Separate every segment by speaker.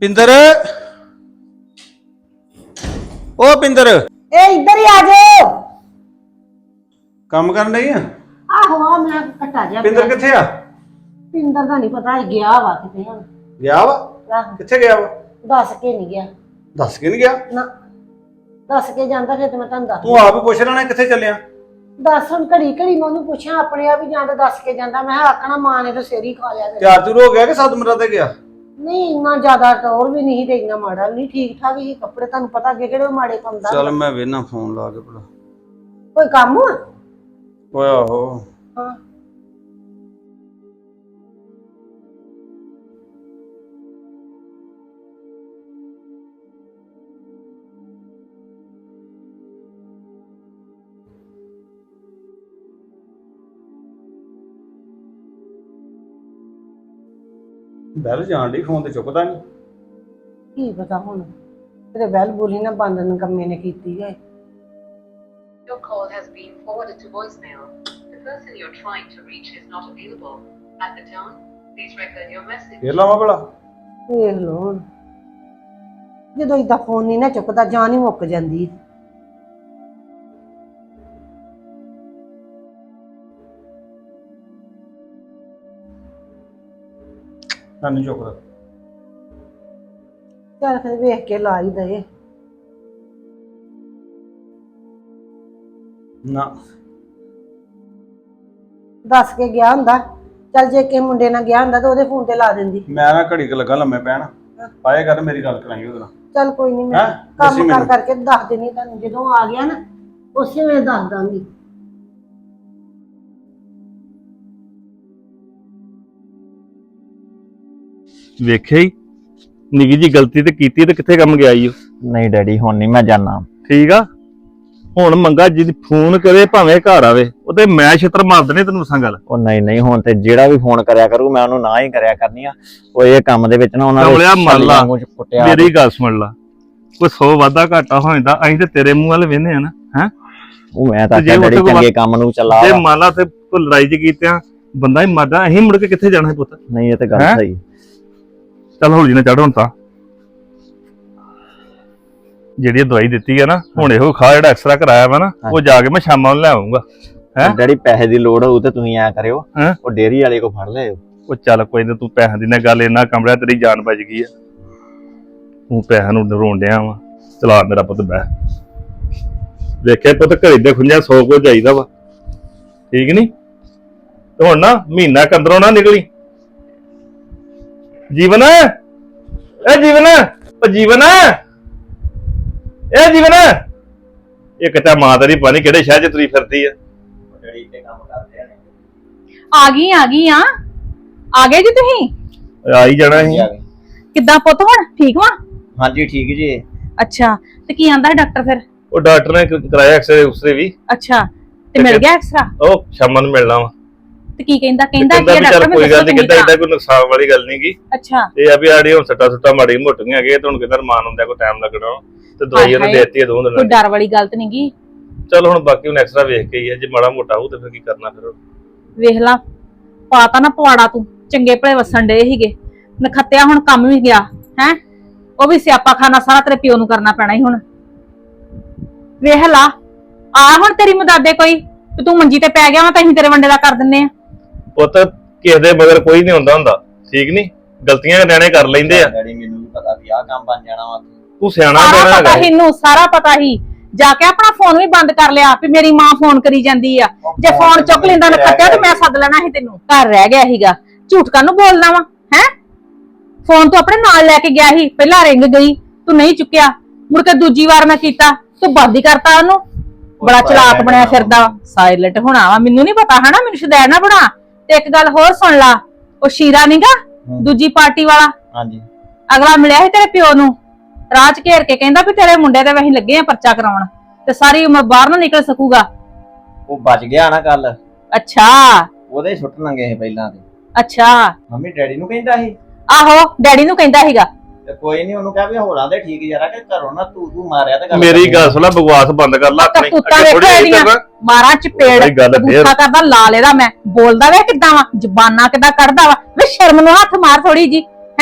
Speaker 1: ਪਿੰਦਰ ਉਹ ਪਿੰਦਰ
Speaker 2: ए इधर ही आ जाओ।
Speaker 1: ਕੰਮ ਕਰਨ ਡਈ ਆ
Speaker 2: आहो आ मैं कटा जा।
Speaker 1: ਪਿੰਦਰ ਕਿੱਥੇ ਆ?
Speaker 2: पिंदर का नहीं पता गया वा किते हुन।
Speaker 1: ਗਿਆ ਵਾ?
Speaker 2: आहो
Speaker 1: ਕਿੱਥੇ ਗਿਆ ਵਾ?
Speaker 2: दस के नहीं गया
Speaker 1: ਦੱਸ ਕੇ ਨਹੀਂ ਗਿਆ?
Speaker 2: ना दस के जांदा फिर मैं तन दस
Speaker 1: ਤੂੰ ਆਪ ਹੀ ਪੁੱਛ ਲੈਣਾ ਕਿੱਥੇ ਚੱਲਿਆ?
Speaker 2: दस हुन घड़ी घड़ी मैं ओनू पूछा अपने आप ही जांदा दस के जांदा मैं आखना मां ने तो सिर ही खा लिया मेरा।
Speaker 1: ਤਿਆਰ ਤੁਰ ਹੋ ਗਿਆ ਕਿ ਸਤਮਰਾ ਤੇ ਗਿਆ?
Speaker 2: नहीं इतना ज्यादा टोर भी नहीं ते इतना माड़ा भी नहीं ठीक ठाक ही कपड़े तन्नू पता अगे केड़े माड़े पांदा।
Speaker 1: ਚੱਲ ਮੈਂ ਵੇਨਾ ਫੋਨ ਲਾ ਕੇ ਭਲਾ।
Speaker 2: कोई काम हुआ?
Speaker 1: ਓਏ ਆਹੋ
Speaker 2: हां
Speaker 1: ਬੈਲ ਜਾਣ ਦੀ ਫੋਨ ਤੇ ਚੁੱਕਦਾ ਨਹੀਂ।
Speaker 2: की पता हुन तेरे बैल बोली ना बंद नकम्मे ने कीती है।
Speaker 3: Your call has been forwarded to voicemail. The person you're trying to reach is not available. At the tone, please record your message.
Speaker 1: ਫੇਰ ਲਾਵਾਂ ਭਲਾ?
Speaker 2: ਵੇਖ ਲੋ ਹੁਣ ਜਦੋਂ ਇਦਾਂ ਫੋਨ ਨਹੀਂ ਨਾ ਚੁੱਕਦਾ ਜਾਨ ਹੀ ਮੁੱਕ ਜਾਂਦੀ।
Speaker 1: ਨਹੀਂ ਚੁੱਕਦਾ।
Speaker 2: ਚੱਲ ਫਿਰ ਵੇਖ ਕੇ ਲਾ ਹੀ ਦੇ।
Speaker 1: ਨਾ
Speaker 2: ਦੱਸ ਕੇ ਗਿਆ ਹੁੰਦਾ ਚੱਲ ਜੇ ਕਿਸੇ ਮੁੰਡੇ ਨਾਲ ਗਿਆ ਹੁੰਦਾ ਤਾਂ ਉਹਦੇ ਫੋਨ ਤੇ ਲਾ ਦਿੰਦੀ।
Speaker 1: ਮੈਂ ਨਾ ਘੜੀ ਕ ਲੱਗਾ ਲੰਮੇ ਪੈਣ ਆਏ ਕਰ ਮੇਰੀ ਗੱਲ ਕਰਾਂਗੇ ਉਹਦੇ ਨਾਲ।
Speaker 2: ਚੱਲ ਕੋਈ ਨਹੀਂ ਮੈਂ
Speaker 1: ਹੈਂ? ਦੱਸੀ
Speaker 2: ਕੰਮ
Speaker 1: ਮੈਨੂੰ।
Speaker 2: ਕਰਕੇ ਦੱਸ ਦੇਣੀ ਤੁਹਾਨੂੰ ਜਦੋਂ ਆ ਗਿਆ ਨਾ ਉਸੇ ਵੇਲੇ ਦੱਸ ਦਾਂਗੀ।
Speaker 4: ਵੇਖਿਆ ਹੀ ਨਿੱਕੀ ਜੀ ਗਲਤੀ ਤੇ ਕੀਤੀ ਤੇ ਕਿੱਥੇ ਕੰਮ ਗਿਆ ਈ ਉਹ।
Speaker 5: ਨਹੀਂ ਡੈਡੀ ਹੁਣ ਨਹੀਂ ਮੈਂ ਜਾਣਾ।
Speaker 4: ਠੀਕ ਆ ਹੁਣ ਮੰਗਾ ਜੀ ਫੋਨ ਕਰੇ ਭਾਵੇਂ ਘਰ ਆਵੇ ਉਹ ਤੇ ਮੈਂ ਛਿੱਤਰ ਮਾਰ ਦਨੇ ਤੈਨੂੰ ਦੱਸਾਂ ਗੱਲ।
Speaker 5: ਉਹ ਨਹੀਂ ਹੁਣ ਤੇ ਜਿਹੜਾ ਵੀ ਫੋਨ ਕਰਿਆ ਕਰੂ ਮੈਂ ਉਹਨੂੰ ਨਾ ਹੀ ਕਰਿਆ ਕਰਨੀ ਆ। ਉਹ ਇਹ ਕੰਮ ਦੇ ਵਿੱਚ ਨਾ ਉਹਨਾਂ
Speaker 4: ਕਮਲਿਆ ਮੰਨ ਲਾ,
Speaker 5: ਕੁੱਟਿਆ।
Speaker 4: ਮੇਰੀ ਗੱਲ ਸੁਣ ਲਾ ਕੋਈ 100 ਵਾਧਾ ਘਾਟਾ ਹੋ ਜਾਂਦਾ ਅਸੀਂ ਤੇ ਤੇਰੇ ਮੂੰਹ ਵੱਲ ਵੇਨੇ ਆ ਨਾ ਹੈ।
Speaker 5: ਉਹ ਮੈਂ ਤਾਂ
Speaker 4: ਤੇ ਜੇ
Speaker 5: ਆਖਿਆ ਡੈਡੀ
Speaker 4: ਉੱਥੇ ਕੋਈ
Speaker 5: ਚੰਗੇ ਕੰਮ ਨੂੰ ਚਲਾ।
Speaker 4: ਜੇ ਮੰਨ ਲਾ ਤੇ ਕੋਈ ਲੜਾਈ ਚ ਕੀਤਿਆਂ ਬੰਦਾ ਹੀ ਮਰਦਾ ਅਸੀਂ ਮੁੜ ਕੇ ਕਿੱਥੇ ਜਾਣਾ ਹੈ ਪੁੱਤ।
Speaker 5: ਨਹੀਂ ਇਹ ਤੇ ਗੱਲ
Speaker 4: ਹੈਂ?
Speaker 5: ਸਹੀ।
Speaker 4: ਚੱਲ ਹੌਲੀ ਨਾ ਚੜ ਹੁਣ ਤਾਂ ਜਿਹੜੀ ਦਵਾਈ ਦਿੱਤੀ ਹੈ ਨਾ ਹੁਣ ਇਹੋ ਖਾ ਜਿਹੜਾ ਐਕਸਟਰਾ ਕਰਾਇਆ ਵਾ ਨਾ ਉਹ ਜਾ ਕੇ ਮੈਂ ਸ਼ਾਮਾਂ ਨੂੰ ਲੈ ਆਉਂਗਾ। ਹੈਂ?
Speaker 5: ਡੈਡੀ ਪੈਸੇ ਦੀ ਲੋੜ ਹੋਊ ਤੇ ਤੁਸੀਂ ਐ ਕਰਿਓ
Speaker 4: ਹੈਂ?
Speaker 5: ਉਹ ਡੇਅਰੀ ਵਾਲੇ ਕੋ ਫੜ ਲਿਓ।
Speaker 4: ਉਹ ਚੱਲ ਕੋਈ ਨਾ ਤੂੰ ਪੈਸਿਆਂ ਦੀ ਨਾ ਗੱਲ ਇੰਨਾ ਕਮਰਿਆ ਤੇਰੀ ਜਾਨ ਬਚ ਗਈ ਆ। ਤੂੰ ਪੈਸਿਆਂ ਨੂੰ ਰੋਣ ਡਿਆ ਵਾ। ਚਲਾ ਮੇਰਾ ਪੁੱਤ ਬਹਿ ਵੇਖਿਆ ਪੁੱਤ ਘਰੇ ਦੇ ਖੁੰਝਾ 100 ਕੋ ਜਾਈਦਾ ਵਾ ਠੀਕ ਨੀ ਤੇ ਹੁਣ ਨਾ ਮਹੀਨਾ ਕੰਦਰੋਂ ਨਾ ਨਿਕਲੀ। ਜੀਵਨ ਇਹ ਜੀਵਨ ਉਹ ਜੀਵਨ ਇਹ ਜੀਵਨ ਇੱਕ ਤਾਂ ਮਾਂ ਤੇਰੀ ਪਾਣੀ ਕਿਹੜੇ ਸ਼ਹਿਰ ਚ ਤੁਰੀ ਫਿਰਦੀ ਆ।
Speaker 5: ਡੈਡੀ ਤੇ ਕੰਮ ਕਰਦੇ ਨੇ।
Speaker 6: ਆ ਗਈ ਆ ਗਏ ਜੀ ਤੁਸੀਂ।
Speaker 4: ਆਈ ਜਾਣਾ ਸੀ।
Speaker 6: ਕਿੱਦਾਂ ਪੁੱਤ ਹੁਣ ਠੀਕ ਵਾ?
Speaker 5: ਹਾਂਜੀ ਠੀਕ ਜੀ।
Speaker 6: ਅੱਛਾ ਤੇ ਕੀ ਆਂਦਾ ਡਾਕਟਰ ਫਿਰ?
Speaker 4: ਉਹ ਡਾਕਟਰ ਨੇ ਕਰਾਇਆ ਐਕਸਰੇ ਉਸਰੇ ਵੀ।
Speaker 6: ਅੱਛਾ ਤੇ ਮਿਲ ਗਿਆ ਐਕਸਰਾ?
Speaker 4: ਉਹ ਸ਼ਾਮਾਂ ਨੂੰ ਮਿਲਣਾ ਵਾ।
Speaker 6: ਤੇ ਕੀ ਕਹਿੰਦਾ ਕੀ
Speaker 4: ਵੀ
Speaker 6: ਡਾਕਟਰ
Speaker 4: ਚੱਲ
Speaker 6: ਮੈਨੂੰ
Speaker 4: ਕੋਈ ਗੱਲ
Speaker 6: ਦੱਸੋ
Speaker 4: ਨਹੀਂ
Speaker 6: ਚੰਗੀ
Speaker 4: ਕਹਿੰਦਾ
Speaker 6: ਤਰ੍ਹਾਂ।
Speaker 4: ਏਦਾਂ ਕੋਈ ਨੁਕਸਾਨ ਵਾਲੀ ਗੱਲ ਨਹੀਂ ਗੀ।
Speaker 6: ਅੱਛਾ
Speaker 4: ਇਹ ਆ ਵੀ ਆੜੀ ਹੁਣ ਸੱਟਾ ਮਾੜੀ ਮੋਟੀਆਂ ਹੈਗੇ ਤੇ ਹੁਣ ਕਹਿੰਦਾ ਰਮਾਨ ਹੁੰਦਾ ਕੋਈ ਟਾਈਮ ਲੱਗਣਾ ਤੇ ਦਵਾਈ ਉਹਨੇ
Speaker 6: ਹਾਏ।
Speaker 4: ਦੇਤੀ ਹੈ 2
Speaker 6: ਕੋਈ
Speaker 4: ਦਿਨਾਂ ਦੀ।
Speaker 6: ਡਰ ਵਾਲੀ ਗੱਲ ਤੇ ਨੀ ਗੀ।
Speaker 4: ਚਲ ਹੁਣ ਬਾਕੀ ਹੁਣ ਐਕਸਟਰਾ ਵੇਖ ਕੇ ਹੀ ਹੈ ਜੇ ਮਾੜਾ ਮੋਟਾ ਹੋਊ ਤੇ ਫਿਰ ਕੀ ਕਰਨਾ ਫਿਰ।
Speaker 6: ਵੇਖ ਲਾ ਪਾਤਾ ਨਾ ਪਵਾੜਾ ਤੂੰ ਚੰਗੇ ਭਲੇ ਵਸਣ ਡੇ ਸੀਗੇ ਨਖੱਤਿਆ ਹੁਣ ਕੰਮ ਵੀ ਗਿਆ ਹੈ। ਉਹ ਵੀ ਸਿਆਪਾ ਖਾਨਾ ਸਾਰਾ ਤੇਰੇ ਪਿਓ ਨੂੰ ਕਰਨਾ ਪੈਣਾ ਹੀ ਹੁਣ। ਵੇਖ ਲਾ ਆ ਹੁਣ ਤੇਰੀ ਮਦਦੇ ਕੋਈ ਤੇ ਤੂੰ ਮੰਜੀ ਤੇ ਪੈ ਗਿਆ ਵਾ ਤਾਂ ਅਸੀਂ ਤੇਰੇ ਵੰਡੇ ਦਾ ਕਰ ਦਿੰਨੇ ਆ।
Speaker 4: ਪੁੱਤ ਕਿਸੇ ਦੇ ਮਗਰ ਕੋਈ ਨਹੀਂ ਹੁੰਦਾ ਠੀਕ ਨਹੀਂ ਗਲਤੀਆਂ ਨਿਆਣੇ ਕਰ ਲੈਂਦੇ ਆ।
Speaker 5: ਡੈਡੀ ਮੈਨੂੰ ਵੀ ਪਤਾ ਵੀ ਆਹ ਕੰਮ ਬਣ ਜਾਣਾ ਵਾ।
Speaker 4: ਤੂੰ ਸਿਆਣਾ
Speaker 6: ਸਾਰਾ
Speaker 4: ਬਣਾ
Speaker 6: ਪਤਾ
Speaker 4: ਹੈਗਾ।
Speaker 6: ਹੀ ਇਹਨੂੰ ਸਾਰਾ ਪਤਾ ਹੀ ਜਾ ਕੇ ਆਪਣਾ ਫੋਨ ਵੀ ਬੰਦ ਕਰ ਲਿਆ ਵੀ ਮੇਰੀ ਮਾਂ ਫੋਨ ਕਰੀ ਜਾਂਦੀ ਆ। ਜੇ ਫੋਨ ਚੁੱਕ ਲੈਂਦਾ ਨਾ ਖੱਟਿਆ ਤੇ ਮੈਂ ਸੱਦ ਲੈਣਾ ਸੀ ਤੈਨੂੰ। ਘਰ ਰਹਿ ਗਿਆ ਸੀਗਾ ਝੂਠ ਕਾਹਨੂੰ ਬੋਲਣਾ ਵਾ ਹੈ। ਫੋਨ ਤੂੰ ਆਪਣੇ ਨਾਲ ਲੈ ਕੇ ਗਿਆ ਸੀ ਪਹਿਲਾਂ ਰਿੰਗ ਗਈ ਤੂੰ ਨਹੀਂ ਚੁੱਕਿਆ ਮੁੜ ਕੇ ਦੂਜੀ ਵਾਰ ਮੈਂ ਕੀਤਾ ਤੂੰ ਬੰਦ ਹੀ ਕਰਤਾ ਉਹਨੂੰ। ਬੜਾ ਚਲਾਕ ਬਣਿਆ ਫਿਰਦਾ ਸਾਇਲੈਂਟ ਹੋਣਾ ਵਾ ਮੈਨੂੰ ਨਹੀਂ ਪਤਾ ਹਨਾ ਮੈਨੂੰ ਸ਼ੁਦੈਣ ਨਾ ਬਣਾ। ਤੇ ਇੱਕ ਗੱਲ ਹੋਰ ਸੁਣ ਲਾ ਉਹ ਸ਼ੀਰਾ ਨੀਗਾ ਦੂਜੀ ਪਾਰਟੀ ਵਾਲਾ
Speaker 5: ਹਾਂਜੀ
Speaker 6: ਅਗਲਾ ਮਿਲਿਆ ਸੀ ਤੇਰੇ ਪਿਓ ਨੂੰ ਰਾਜ ਘੇਰ ਕੇ ਕਹਿੰਦਾ ਵੀ ਤੇਰੇ ਮੁੰਡੇ ਤੇ ਵਹੀਂ ਲੱਗੇ ਆ ਪਰਚਾ ਕਰਾਉਣ ਤੇ ਸਾਰੀ ਉਮਰ ਬਾਹਰ ਨਾ ਨਿਕਲ ਸਕੂਗਾ।
Speaker 5: ਉਹ ਬਚ ਗਿਆ ਨਾ ਕੱਲ।
Speaker 6: ਅੱਛਾ
Speaker 5: ਉਹਦੇ ਸੁੱਟ ਲੰਗੇ ਸੀ ਪਹਿਲਾਂ ਤੇ।
Speaker 6: ਅੱਛਾ
Speaker 5: ਮੰਮੀ ਡੈਡੀ ਨੂੰ ਕਹਿੰਦਾ ਸੀ।
Speaker 6: ਆਹੋ ਡੈਡੀ ਨੂੰ ਕਹਿੰਦਾ ਸੀਗਾ
Speaker 5: ਤੇ ਕੋਈ ਨਹੀਂ ਉਹਨੂੰ ਕਿਹਾ ਵੀ ਹੋਰਾਂ ਦੇ ਠੀਕ ਯਾਰਾ ਕਿ ਘਰੋਂ ਨਾ ਤੂੰ ਮਾਰਿਆ ਤੇ
Speaker 4: ਮੇਰੀ ਗੱਲ ਸੁਣ ਲੈ ਬਕਵਾਸ ਬੰਦ ਕਰ ਲੈ ਆਪਣੀ।
Speaker 6: ਕਰਤੂਤਾਂ ਵੇਖੋ ਇਹਦੀਆਂ ਮਾਰਾਂ ਚਪੇੜ
Speaker 4: ਉਹੀ ਗੱਲ ਫੇਰ।
Speaker 6: ਗੁੱਸਾ ਕਰਦਾ ਲਾਲ ਇਹਦਾ ਮੈਂ ਬੋਲਦਾ ਵੇ ਕਿੱਦਾਂ ਵਾ ਜ਼ਬਾਨਾਂ ਕਿੱਦਾਂ ਕੱਢਦਾ ਵਾ ਵੇ ਸ਼ਰਮ ਨੂੰ ਹੱਥ ਮਾਰ ਥੋੜੀ ਜੀ ਹੈ।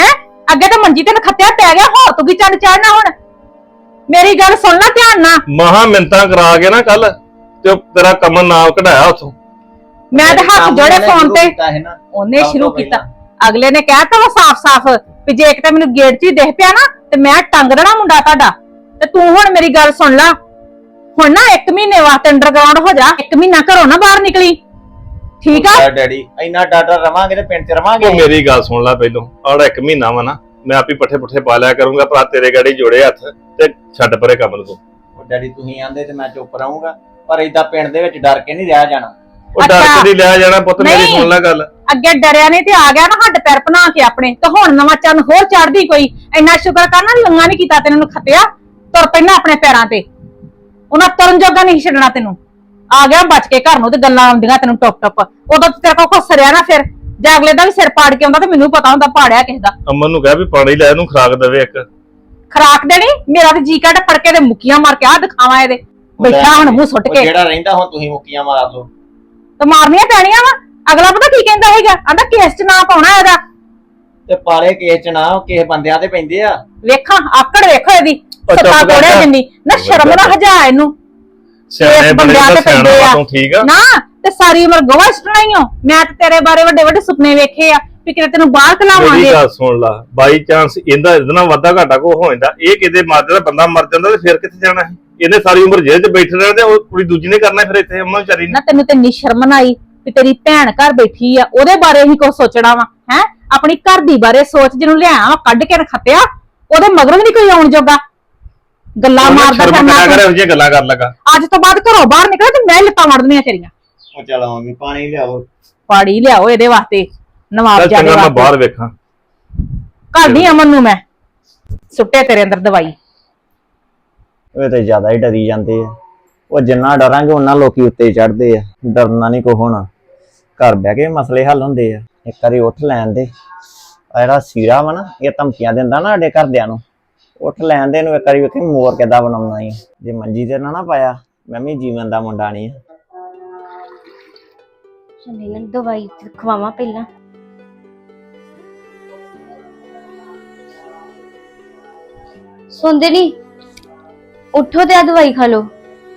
Speaker 6: ਅੱਗੇ ਤਾਂ ਮੰਜੀ ਤੇ ਨਖੱਤਿਆ ਪੈ ਗਿਆ, ਹੋਰ ਤੂੰ ਕੀ ਚੜ ਚੜਨਾ ਹੁਣ? ਮੇਰੀ ਗੱਲ ਸੁਣ ਲੈ ਧਿਆਨ ਨਾਲ।
Speaker 4: ਮਹਾ ਮਿੰਤਾਂ ਕਰਾ ਕੇ ਨਾ ਕੱਲ ਤੇ ਉਹ ਤੇਰਾ ਕਮਨ ਨਾਮ ਕਢਾਇਆ ਉਥੋਂ।
Speaker 6: ਮੈਂ ਤੇ ਹੱਥ ਜੋੜੇ ਫੋਨ ਤੇ ਉਹਨੇ
Speaker 5: ਸਭ
Speaker 6: ਸ਼ੁਰੂ
Speaker 5: ਤੋਂ
Speaker 6: ਕੀਤਾ। ਅਗਲੇ ਨੇ ਕਹਿਤਾ ਵਾ ਸਾਫ਼-ਸਾਫ਼ ਵੀ ਜੇ ਕਿਤੇ ਮੈਨੂੰ ਗੇਟ 'ਚ ਹੀ ਦਿਖ ਪਿਆ ਨਾ ਤੇ ਮੈਂ ਟੰਗ ਦੇਣਾ ਮੁੰਡਾ ਤੁਹਾਡਾ। ਤੇ ਤੂੰ ਹੁਣ ਮੇਰੀ ਗੱਲ ਸੁਣ ਲੈ, ਹੁਣ ਨਾ 1 ਮਹੀਨੇ ਵਾਸਤੇ ਅੰਡਰਗਰਾਉਂਡ ਹੋ ਜਾ, 1 ਮਹੀਨਾ ਘਰੋਂ ਨਾ ਬਾਹਰ ਨਿਕਲੀ, ਠੀਕ ਆ?
Speaker 5: ਡੈਡੀ ਇੰਨਾ ਡਾਡਾ ਰਵਾਂਗੇ ਤੇ ਪਿੰਡ 'ਚ ਰਵਾਂਗੇ।
Speaker 4: ਉਹ ਮੇਰੀ ਗੱਲ ਸੁਣ ਲੈ ਪਹਿਲੋਂ, ਆੜਾ 1 ਮਹੀਨਾ ਵਾ ਨਾ, ਮੈਂ ਆਪੀ ਪੱਠੇ ਪੁੱਠੇ ਪਾ ਲਿਆ ਕਰੂੰਗਾ, ਭਰਾ ਤੇਰੇ ਗਾੜੀ ਜੋੜੇ ਹੱਥ ਤੇ ਛੱਡ ਪਰੇ ਕੰਮ ਨੂੰ।
Speaker 5: ਉਹ ਡੈਡੀ ਤੁਸੀਂ ਆਂਦੇ ਤੇ ਮੈਂ ਚੁੱਪ ਰਹੂੰਗਾ, ਪਰ ਏਦਾਂ ਪਿੰਡ ਦੇ ਵਿੱਚ ਡਰ ਕੇ ਨਹੀਂ ਰਹਿ ਜਾਣਾ।
Speaker 4: ਉਹ ਡਰ ਕੇ ਨਹੀਂ ਲਿਆ ਜਾਣਾ ਪੁੱਤ, ਮੇਰੀ
Speaker 6: ਨਹੀਂ।
Speaker 4: ਸੁਣ ਲੈ ਗੱਲ।
Speaker 6: ਅੱਗੇ ਡਰਿਆ ਨਹੀਂ ਤੇ ਆ ਗਿਆ ਨਾ ਹੱਡ ਪੈਰ ਬਣਾ ਕੇ ਆਪਣੇ, ਤੇ ਹੁਣ ਨਵਾਂ ਚੰਨ ਹੋਰ ਚੜਦੀ ਕੋਈ। ਇੰਨਾ ਸ਼ੁਕਰ ਕਰਨਾ ਲੰਗਾ ਨਹੀਂ ਕੀਤਾ ਤੈਨੂੰ ਖੱਤਿਆ, ਤੁਰ ਪੈਣਾ ਆਪਣੇ ਪੈਰਾਂ ਤੇ। ਉਹਨਾਂ ਤੁਰਨ ਜੋਗਾ ਨਹੀਂ ਛੱਡਣਾ ਤੈਨੂੰ। ਆ ਗਿਆ ਬਚ ਕੇ ਘਰ ਨੂੰ ਤੇ ਗੱਲਾਂ ਆਉਂਦੀਆਂ ਤੈਨੂੰ ਟੁੱਪ ਟੁੱਪ। ਉਦੋਂ ਤੇ ਤੇਰੇ ਕੋਲ ਖੁੱਸਰਿਆ ਨਾ, ਫਿਰ ਜੇ ਅਗਲੇ ਦਾ ਵੀ ਸਿਰ ਪਾੜ ਕੇ ਆਉਂਦਾ ਤੇ ਮੈਨੂੰ ਪਤਾ ਹੁੰਦਾ ਪਾੜਿਆ ਕਿਸੇ ਦਾ।
Speaker 4: ਅਮਨ ਨੂੰ ਕਹਿ ਵੀ ਪਾਣੀ ਲੈ ਇਹਨੂੰ ਖਰਾਕ ਦੇਵੇ ਇੱਕ।
Speaker 6: ਖਰਾਕ ਦੇਣੀ? ਮੇਰਾ ਤੇ ਜੀ ਕੱਢ ਫੜ ਕੇ ਤੇ ਮੁੱਕੀਆਂ ਮਾਰ ਕੇ ਆ ਦਿਖਾਵਾਂ ਇਹਦੇ। ਬੈਠਾ ਹੁਣ ਮੂੰਹ ਸੁੱਟ
Speaker 5: ਉਹ
Speaker 6: ਕੇ
Speaker 5: ਜਿਹੜਾ ਰਹਿੰਦਾ ਹੁਣ ਤੁਸੀਂ ਮੁੱਕੀਆਂ ਮਾਰ ਲਓ।
Speaker 6: ਤੇ ਮਾਰਨੀਆਂ ਪੈਣੀਆਂ ਵਾ। ਅਗਲਾ ਪਤਾ ਕੀ ਕਹਿੰਦਾ ਹੈਗਾ, ਆਂਦਾ ਕੇਸ 'ਚ ਨਾ ਪਾਉਣਾ ਇਹਦਾ।
Speaker 5: ਤੇ ਪਾਲੇ ਕੇਸ 'ਚ ਨਾ ਕਿਸੇ ਬੰਦਿਆਂ ਤੇ ਪੈਂਦੇ ਆ।
Speaker 6: ਵੇਖਾਂ ਆਕੜ ਵੇਖੋ ਇਹਦੀ,
Speaker 4: ਉਹ ਚੁੱਪ
Speaker 6: ਸੱਤਾ
Speaker 4: ਕਰ
Speaker 6: ਕੋੜਿਆ
Speaker 4: ਜਾ।
Speaker 6: ਜਿੰਨੀ ਨਾ, ਸ਼ਰਮ ਨਾ ਹਜਾ ਇਹਨੂੰ।
Speaker 4: ਸਿਆਣੇ
Speaker 6: ਇਸ
Speaker 4: ਬਣੇ
Speaker 6: ਬੰਦਿਆਂ
Speaker 4: ਤਾਂ
Speaker 6: ਤੇ
Speaker 4: ਸਿਆਣਾ
Speaker 6: ਪੈਂਦੇ
Speaker 4: ਵਾ
Speaker 6: ਆ।
Speaker 4: ਤੂੰ, ਠੀਕ ਆ?
Speaker 6: ਨਾ ਤੇ ਸਾਰੀ ਉਮਰ ਗਵਾਹ ਸੁਣਾਈ ਹੋ। ਮੈਂ ਤੇ ਤੇਰੇ ਬਾਰੇ ਵੱਡੇ ਵੱਡੇ ਸੁਪਨੇ ਵੇਖੇ ਆ ਵੀ ਕਿਤੇ ਤੈਨੂੰ ਬਾਹਰ
Speaker 4: ਮੇਰੀ
Speaker 6: ਕਲਾਵਾਂਗੇ।
Speaker 4: ਗੱਲ ਸੁਣ ਲਾ, ਬਾਈ ਚਾਂਸ ਇਹਦਾ ਇਹਦੇ ਨਾਲ ਵਾਧਾ ਘਾਟਾ ਕੋ ਹੋ ਜਾਂਦਾ, ਇਹ ਕਿਤੇ ਮਰ ਜਾਂਦਾ, ਬੰਦਾ ਮਰ ਜਾਂਦਾ ਤੇ ਫਿਰ ਕਿੱਥੇ ਜਾਣਾ ਹੈ? ਇਹਨੇ ਸਾਰੀ ਉਮਰ ਜੇਲ੍ਹ 'ਚ ਬੈਠੇ ਰਹਿਣਾ ਤੇ ਉਹ ਕੁੜੀ ਦੂਜੀ ਨੇ ਕਰਨਾ ਫਿਰ ਇੱਥੇ ਅਮਨ ਵਿਚਾਰੀ ਨੇ।
Speaker 6: ਨਾ ਤੈਨੂੰ ਤੇ ਨੀ ਸ਼ਰਮ ਨਾ ਆਈ ਵੀ ਤੇਰੀ ਭੈਣ ਘਰ ਬੈਠੀ ਆ, ਉਹਦੇ ਬਾਰੇ ਹੀ ਕੁਝ ਸੋਚਣਾ ਵਾ ਹੈ? ਆਪਣੀ ਘਰ ਦੀ ਬਾਰੇ ਸੋਚ, ਜਿਹਨੂੰ ਲਿਆ ਵਾ ਕੱਢ ਕੇ ਰਖਤਿਆ, ਉਹਦੇ ਮਗਰ ਵੀ ਨਹੀਂ ਕੋਈ ਆਉਣ ਜੋਗਾ। ਗੱਲਾਂ ਮਾਰਦਾ
Speaker 4: ਸ਼ਰਮ ਕਰਿਆ ਕਰ,
Speaker 6: ਫਿਰਨਾ।
Speaker 4: ਇਹੋ ਜਿਹੀਆਂ ਗੱਲਾਂ ਕਰਨ ਲੱਗਾ।
Speaker 6: ਅੱਜ ਤੋਂ ਬਾਅਦ ਘਰੋਂ ਬਾਹਰ ਨਿਕਲੇ ਤੇ ਮੈਂ ਲੱਤਾਂ ਵੜਦੀਆਂ ਤੇਰੀਆਂ।
Speaker 5: ਉਹ ਚਲ ਮੰਮੀ ਪਾਣੀ ਲਿਆਓ।
Speaker 6: ਪਾੜੀ ਲਿਆਓ ਇਹਦੇ ਵਾਸਤੇ, ਨਵਾਬ
Speaker 4: ਚੱਲ
Speaker 6: ਜਾਦੇ
Speaker 4: ਚੰਗਾ, ਮੈਂ
Speaker 6: ਵਾਸਤੇ।
Speaker 4: ਬਾਹਰ ਵੇਖਾਂ।
Speaker 6: ਘਰ ਦੀ ਅਮਨ ਨੂੰ ਮੈਂ ਸੁੱਟੇ ਤੇਰੇ ਅੰਦਰ ਦਵਾਈ।
Speaker 5: ਉਹ ਤੇ ਜ਼ਿਆਦਾ ਹੀ ਡਰੀ ਜਾਂਦੇ ਆ। ਉਹ ਜਿੰਨਾ ਡਰਾਂਗੇ ਉਹਨਾਂ ਲੋਕੀ ਉੱਤੇ ਚੜਦੇ ਆ। ਡਰਨਾ ਨਹੀਂ ਕੋ ਹੋਣਾ, ਘਰ ਬਹਿ ਕੇ ਮਸਲੇ ਹੱਲ ਹੁੰਦੇ ਆ। ਇੱਕ ਵਾਰੀ ਉੱਠ ਲੈਣ ਦੇ। ਆ ਜਿਹੜਾ ਸੀਰਾ ਵਾ ਨਾ, ਇਹ ਧਮਕੀਆਂ ਦਿੰਦਾ ਨਾ ਸਾਡੇ ਘਰਦਿਆਂ ਨੂੰ, ਉੱਠ ਲੈਣ ਦੇ ਇਹਨੂੰ ਇੱਕ ਵਾਰੀ। ਵੇਖੀ ਮੋਰ ਕਿੱਦਾਂ ਬਣਾਉਣਾ ਹੀ। ਜੇ ਮੰਜੀ ਤੇ ਨਾ ਪਾਇਆ, ਮੈਂ ਵੀ ਜੀਵਨ ਦਾ ਮੁੰਡਾ ਨਹੀਂ ਆ।
Speaker 7: ਚੰਨੀ ਨੂੰ ਦਵਾਈ ਖਵਾਵਾਂ ਪਹਿਲਾਂ। ਸੁਣਦੇ ਨਹੀਂ? ਉੱਠੋ ਤੇ ਆ ਦਵਾਈ ਖਾ ਲਓ।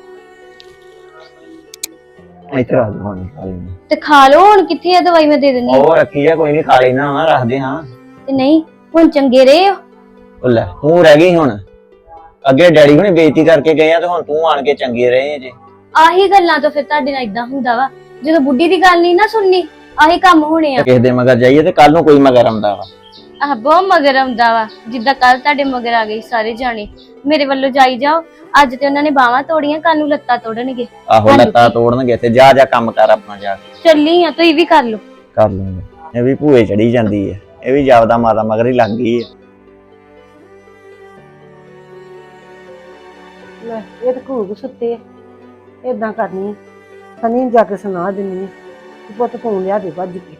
Speaker 5: ਇੱਥੇ ਰੱਖ ਦੋ ਹੁਣ, ਖਾ ਲੈਂਦੇ।
Speaker 7: ਤੇ ਖਾ ਲਓ ਹੁਣ। ਕਿੱਥੇ ਆ ਦਵਾਈ? ਮੈਂ ਦੇ ਦਿੰਦੀ।
Speaker 5: ਉਹ ਰੱਖੀ ਆ, ਕੋਈ ਨਹੀਂ, ਖਾ ਲੈਣਾ ਵਾ, ਰੱਖਦੇ ਹਾਂ।
Speaker 7: ਤੇ ਨਹੀਂ ਹੁਣ ਚੰਗੇ ਰਹੇ ਹੋ।
Speaker 5: ਉਹ ਲੈ ਤੂੰ ਰਹਿ ਗਈ ਹੁਣ। ਅੱਗੇ ਡੈਡੀ ਹੁਣੇ ਬੇਇੱਜ਼ਤੀ ਕਰਕੇ ਗਏ ਆ ਤੇ ਹੁਣ ਤੂੰ ਆਣ ਕੇ ਚੰਗੇ ਰਹੇ ਜੇ।
Speaker 7: ਆਹੀ ਗੱਲਾਂ ਤੋਂ ਫਿਰ ਤੁਹਾਡੇ ਨਾਲ ਇਦਾਂ ਹੁੰਦਾ ਵਾ, ਜਦੋਂ ਬੁੱਢੀ ਦੀ ਗੱਲ ਨਹੀਂ ਨਾ ਸੁਣਨੀ, ਆਹੀ ਕੰਮ ਹੋਣੇ ਆ।
Speaker 5: ਕਿਸੇ ਦੇ ਮਗਰ ਜਾਈਏ ਤੇ ਕੱਲ ਨੂੰ ਕੋਈ ਮਗਰ ਆਉਂਦਾ ਵਾ।
Speaker 7: ਆਹ ਬਹੁਤ ਮਗਰ ਆਉਂਦਾ ਵਾ, ਜਿੱਦਾਂ ਕੱਲ ਤੁਹਾਡੇ ਮਗਰ ਆ ਗਏ ਸਾਰੇ ਜਾਣੇ। ਮੇਰੇ ਵੱਲੋਂ ਜਾਈ ਜਾਓ। ਅੱਜ ਤੇ ਉਹਨਾਂ ਨੇ ਬਾਹਾਂ ਤੋੜੀਆਂ, ਕੱਲ ਨੂੰ ਲੱਤਾਂ ਤੋੜਨਗੇ।
Speaker 5: ਆਹੋ ਲੱਤਾਂ ਤੋੜਨਗੇ ਤੇ ਜਾ ਜਾ ਕੰਮ ਕਰ ਆਪਣਾ ਜਾ ਕੇ।
Speaker 7: ਚੱਲੀ ਆ, ਤੁਸੀਂ ਵੀ ਕਰ ਲਓ।
Speaker 5: ਕਰ ਲੂੰਗੇ। ਇਹ ਵੀ ਭੂਏ ਚੜੀ ਜਾਂਦੀ ਹੈ, ਇਹ ਵੀ ਜਾਪਦਾ ਮਾਤਾ ਮਗਰ ਹੀ ਲੱਗ ਗਈ ਹੈ।
Speaker 2: ਲੈ ਇਹ ਤਾਂ ਘੂਕ ਸੁੱਤੇ ਆ। ਏਦਾਂ ਕਰਨੀ ਆ, ਸਨੀ ਨੂੰ ਜਾ ਕੇ ਸੁਣਾ ਦਿੰਨੀ ਆ ਕਿ ਪੁੱਤ ਤੂੰ ਲਿਆ ਦੇ ਭੱਜ ਕੇ।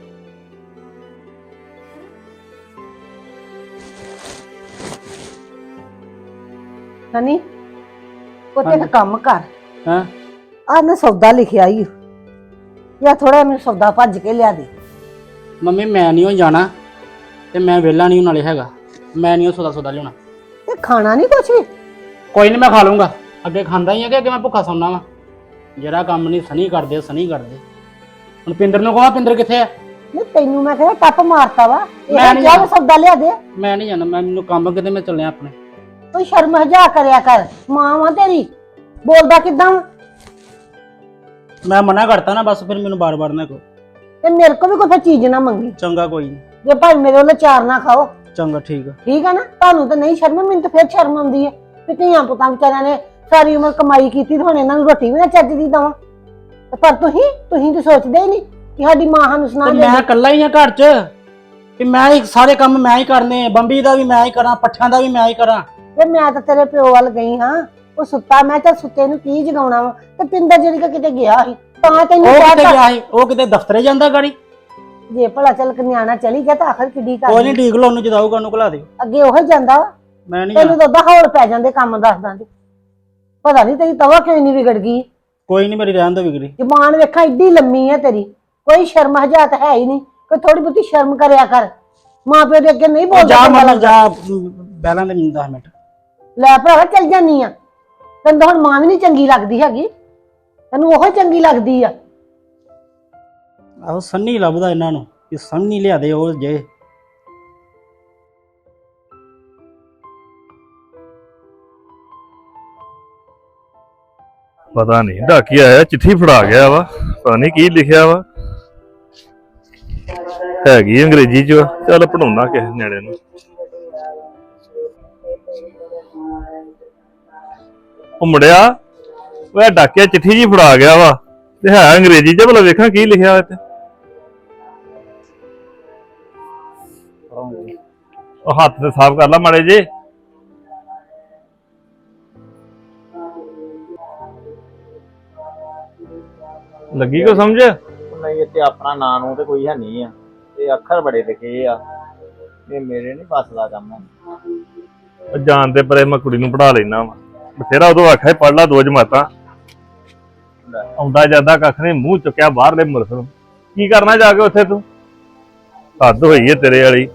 Speaker 2: ਸਨੀ ਪੁੱਤ ਇੱਕ ਕੰਮ ਕਰ।
Speaker 8: ਹਾਂ
Speaker 2: ਆਹ ਨਾ ਸੌਦਾ ਲਿਖਿਆ ਈ, ਜਾਂ ਥੋੜਾ ਮੈਨੂੰ ਸੌਦਾ ਭੱਜ ਕੇ ਲਿਆ ਦੇ।
Speaker 8: ਮੰਮੀ, ਮੈਂ ਨਹੀਂ ਉਹ ਜਾਣਾ ਤੇ ਮੈਂ ਵਿਹਲਾ ਨਹੀਂ ਨਾਲੇ ਹੈਗਾ। ਮੈਂ ਨਹੀਂ ਉਹ ਸੌਦਾ ਲਿਆਉਣਾ।
Speaker 2: ਤੇ ਖਾਣਾ ਨਹੀਂ ਕੁਛ ਵੀ?
Speaker 8: ਕੋਈ ਨਹੀਂ, ਮੈਂ ਖਾ ਲੂੰਗਾ। ਅੱਗੇ ਖਾਂਦਾ ਹੀ ਆ ਕਿ ਅੱਗੇ ਮੈਂ ਭੁੱਖਾ ਸੌਣਾ ਵਾ? ਜਿਹੜਾ ਕੰਮ ਨਹੀਂ ਸਨੀ ਕਰਦੇ ਹੁਣ ਪਿੰਦਰ ਨੂੰ ਕਹਾਂ, ਪਿੰਦਰ ਕਿੱਥੇ ਆ?
Speaker 2: ਨਹੀਂ ਤੈਨੂੰ ਮੈਂ ਕਿਹਾ ਟੱਪ ਮਾਰਤਾ ਵਾ, ਇਹ
Speaker 8: ਮੈਂ ਨੀ
Speaker 2: ਕਿਹਾ
Speaker 8: ਜਾਣਾ।
Speaker 2: ਸੌਦਾ ਲਿਆ ਦੇ।
Speaker 8: ਮੈਂ ਨਹੀਂ ਜਾਣਾ, ਮੈਨੂੰ ਕੰਮ ਕਿਤੇ, ਮੈਂ ਚੱਲਿਆ ਆਪਣੇ।
Speaker 2: ਤੂੰ ਸ਼ਰਮ ਹਜਾ ਕਰਿਆ ਕਰ, ਮਾਂ ਵਾ ਤੇਰੀ, ਬੋਲਦਾ ਕਿੱਦਾਂ ਵਾ?
Speaker 8: ਮੈਂ ਮਨਾ ਕਰਤਾ ਨਾ, ਬਸ ਫਿਰ ਮੈਨੂੰ ਬਾਰ-ਬਾਰ ਨਾ ਕਹੋ।
Speaker 2: ਤੇ ਮੇਰੇ ਕੋ ਵੀ ਕੋਈ ਚੀਜ਼ ਨਾ ਮੰਗੀ।
Speaker 8: ਚੰਗਾ, ਕੋਈ ਨਹੀਂ।
Speaker 2: ਜੇ ਭਾਈ ਮੇਰੇ ਵੱਲੋਂ ਚਾਰ ਨਾ ਖਾਓ,
Speaker 8: ਚੰਗਾ, ਠੀਕ ਆ।
Speaker 2: ਠੀਕ ਆ ਨਾ? ਤੁਹਾਨੂੰ ਤਾਂ ਨਹੀਂ ਸ਼ਰਮ, ਮੈਨੂੰ ਤਾਂ ਫਿਰ ਸ਼ਰਮ ਆਉਂਦੀ ਹੈ ਕਿ ਧੀਆਂ ਪੁੱਤਾਂ ਵਿਚਾਰਿਆਂ ਨੇ ਸਾਰੀ ਉਮਰ ਕਮਾਈ ਕੀਤੀ ਤੇ ਹੁਣ ਇਹਨਾਂ ਨੂੰ ਰੋਟੀ ਵੀ ਨਾ ਚੱਜ ਦੀ ਦਵਾਂ। ਪਰ ਤੁਸੀਂ ਤਾਂ ਸੋਚਦੇ ਹੀ ਨਹੀਂ ਕਿ ਸਾਡੀ ਮਾਂ ਸਾਨੂੰ ਸੁਣਾ
Speaker 8: ਤੇ
Speaker 2: ਦੇ।
Speaker 8: ਮੈਂ ਇਕੱਲਾ ਹੀ ਆ ਘਰ 'ਚ, ਕਿ ਮੈਂ ਹੀ ਸਾਰੇ ਕੰਮ ਮੈਂ ਹੀ ਕਰਨੇ, ਬੰਬੀ ਦਾ ਵੀ ਮੈਂ ਹੀ ਕਰਾਂ, ਪੱਠਿਆਂ ਦਾ ਵੀ ਮੈਂ ਹੀ ਕਰਾਂ।
Speaker 2: ਤੇ ਮੈਂ ਤਾਂ ਤੇਰੇ ਪਿਓ ਵੱਲ ਗਈ ਹਾਂ, ਉਹ ਸੁੱਤਾ, ਮੈਂ ਤਾਂ ਸੁੱਤੇ ਨੂੰ ਕੀ ਜਗਾਉਣਾ ਵਾ? ਤੇ ਪਿੰਦਰ ਜਿਹੜੀ ਕਿ ਕਿਤੇ ਗਿਆ ਸੀ ਤਾਂ ਤੈਨੂੰ
Speaker 8: ਉਹ ਕਿਤੇ
Speaker 2: ਕਹਿਤਾ
Speaker 8: ਗਿਆ ਸੀ? ਉਹ ਕਿਤੇ ਦਫ਼ਤਰੇ ਜਾਂਦਾ ਗਾੜੀ।
Speaker 2: ਜੇ ਭਲਾ ਚੱਲ ਨਿਆਣਾ ਚਲੀ ਗਿਆ ਤਾਂ ਆਖਰ ਕਿੱਡੀ ਕਰ
Speaker 8: ਕੋਈ ਨਹੀਂ, ਠੀਕ ਲੋ, ਉਹਨੂੰ ਜਦਾਊਗਾ, ਉਹਨੂੰ ਘਲਾ ਦਿਓ।
Speaker 2: ਅੱਗੇ ਉਹ ਹੀ ਜਾਂਦਾ ਵਾ।
Speaker 8: ਮੈਂ ਨਹੀਂ
Speaker 2: ਤੈਨੂੰ
Speaker 8: ਜਾਣਾ।
Speaker 2: ਤਾਂ ਉਦਾਂ ਹੋਰ ਪੈ ਜਾਂਦੇ ਕੰਮ ਦੱਸਦਾਂ ਤੇ। ਪਤਾ ਨਹੀਂ ਤੇਰੀ ਤਵਾ ਕਿਉਂ ਨਹੀਂ ਵਿਗੜ ਗਈ।
Speaker 8: ਕੋਈ ਨਹੀਂ, ਮੇਰੀ ਰਹਿਣ ਦੋ ਵਿਗੜੀ।
Speaker 2: ਜ਼ਬਾਨ ਵੇਖਾਂ ਏਡੀ ਲੰਮੀ ਹੈ ਤੇਰੀ, ਕੋਈ ਸ਼ਰਮ ਹਜਾਤ ਹੈ ਹੀ ਨਹੀਂ। ਕੋਈ ਥੋੜੀ ਬਹੁਤੀ ਸ਼ਰਮ ਕਰਿਆ ਕਰ। ਮਾਂ ਪਿਓ ਦੇ ਅੱਗੇ ਨਹੀਂ
Speaker 8: ਉਹ
Speaker 2: ਬੋਲਦਾ
Speaker 8: ਜਾ
Speaker 2: ਚੰਗਾ
Speaker 8: ਮਨ
Speaker 2: ਲੱਗਦਾ।
Speaker 8: ਜਾ ਬੈਲਾਂ ਦੇ 10 ਮਿੰਟ।
Speaker 2: ਲੈ ਭਰਾਵਾ ਚੱਲ ਜਾਨੀ ਆ, ਤੈਨੂੰ ਤਾਂ ਹੁਣ ਮਾਂ ਵੀ ਨਹੀਂ ਚੰਗੀ ਲੱਗਦੀ ਹੈਗੀ, ਤੈਨੂੰ ਉਹ ਚੰਗੀ ਲੱਗਦੀ ਆ।
Speaker 8: ਆਹੋ ਸੰਨੀ ਲੱਭਦਾ ਇਹਨਾਂ ਨੂੰ ਕਿ ਸੰਨੀ ਲਿਆ ਦੇ ਉਹ ਜੇ।
Speaker 4: ਪਤਾ ਨਹੀਂ ਡਾਕੀ ਆਇਆ ਚਿੱਠੀ ਫੜਾ ਗਿਆ ਵਾ, ਪਤਾ ਨਹੀਂ ਕੀ ਲਿਖਿਆ ਵਾ, ਹੈਗੀ ਅੰਗਰੇਜ਼ੀ ਚ ਵਾ। ਚੱਲ ਪੜਾਉਣਾ ਕਿਸੇ ਨਿਆਣੇ ਨੂੰ। ਉਹ ਮੁੰਡਿਆ ਉਹ ਡਾਕਿਆ ਚਿੱਠੀ ਜੀ ਫੜਾ ਗਿਆ ਵਾ ਤੇ ਹੈ ਅੰਗਰੇਜ਼ੀ ਚ, ਭਲਾ ਵੇਖਾਂ ਕੀ ਲਿਖਿਆ ਹੋਇਆ ਤੇ। ਉਹ ਹੱਥ ਤੇ ਸਾਫ਼ ਕਰ ਲਾ ਮਾੜੇ ਜੇ। ਲੱਗੀ ਕੋ ਸਮਝ?
Speaker 5: ਨਹੀਂ ਇੱਥੇ ਆਪਣਾ ਨਾਂ ਨੂੰ ਤੇ ਕੋਈ ਹੈ ਨਹੀਂ ਆ, ਇਹ ਅੱਖਰ ਬੜੇ ਲਿਖੇ ਆ, ਇਹ ਮੇਰੇ ਨਹੀਂ ਬਸ ਦਾ ਕੰਮ।
Speaker 4: ਉਹ ਜਾਣ ਤੇ ਪਰੇ ਮੈਂ ਕੁੜੀ ਨੂੰ ਪੜਾ ਲੈਣਾ ਵਾ, ਬਥੇਰਾ ਉਦੋਂ ਆਖਿਆ ਪੜ ਲਾ 2 ਜਮਾਤਾਂ, ਆਉਂਦਾ ਜਾਂਦਾ ਕੱਖ ਨੇ ਮੂੰਹ ਚੁੱਕਿਆ ਬਾਹਰਲੇ ਮੁਲਕ ਨੂੰ। ਕੀ ਕਰਨਾ ਜਾ ਕੇ ਉੱਥੇ ਤੂੰ? ਹੱਦ ਹੋਈ ਏ ਤੇਰੇ ਵਾਲੀ।